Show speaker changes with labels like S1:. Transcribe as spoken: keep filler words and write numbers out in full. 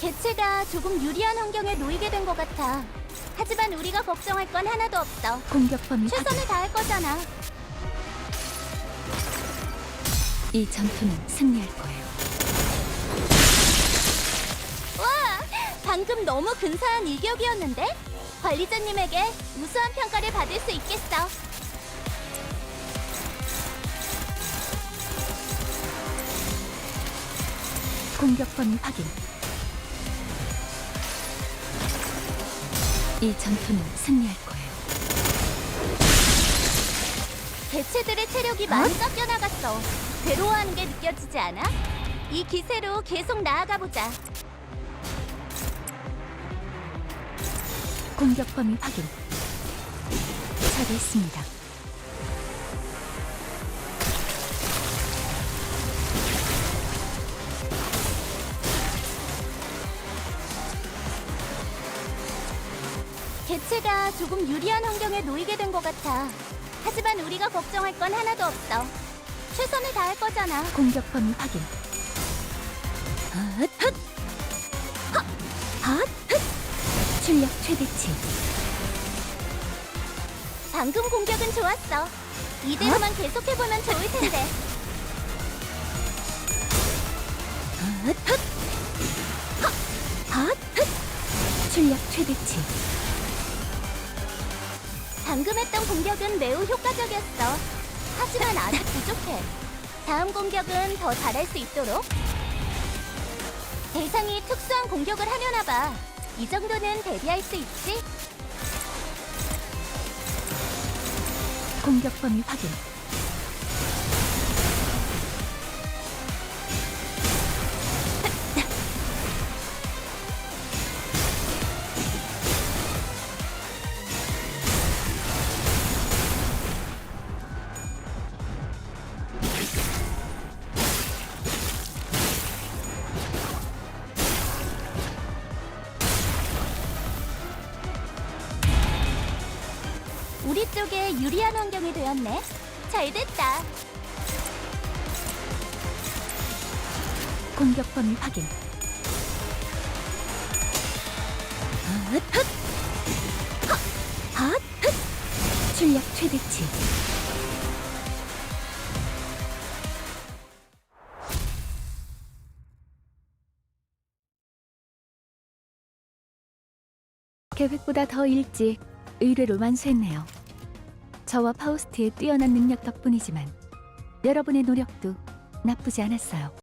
S1: 개체가 조금 유리한 환경에 놓이게 된 것 같아. 하지만 우리가 걱정할 건 하나도 없어.
S2: 공격 범위 확인.
S1: 최선을 다할 거잖아.
S2: 이 전투는 승리할 거예요.
S1: 와! 방금 너무 근사한 일격이었는데? 관리자님에게 우수한 평가를 받을 수 있겠어.
S2: 공격 범위 확인. 이 전투는 승리할 거예요.
S1: 개체들의 체력이 많이 깎여 나갔어. 괴로워하는 게 느껴지지 않아? 이 기세로 계속 나아가 보자.
S2: 공격 범위 확인. 처리했습니다.
S1: 개체가 조금 유리한 환경에 놓이게 된 것 같아. 하지만 우리가 걱정할 건 하나도 없어. 최선을 다할 거잖아.
S2: 공격 범위 확인. 헛, 헛. 헛, 헛, 헛. 출력 최대치.
S1: 방금 공격은 좋았어. 이대로만 계속해보면 좋을 텐데.
S2: 헛, 헛. 헛, 헛, 헛. 출력 최대치.
S1: 방금 했던 공격은 매우 효과적이었어. 하지만 아직 부족해. 다음 공격은 더 잘할 수 있도록. 대상이 특수한 공격을 하려나 봐. 이 정도는 대비할 수 있지?
S2: 공격 범위 확인.
S1: 우리 쪽에 유리한 환경이 되었네. 잘 됐다.
S2: 공격 범위 확인. 헛, 헛. 헛, 헛, 헛. 출력 최대치. 계획보다 더 일찍 의뢰를 완수했네요. 저와 파우스트의 뛰어난 능력 덕분이지만 여러분의 노력도 나쁘지 않았어요.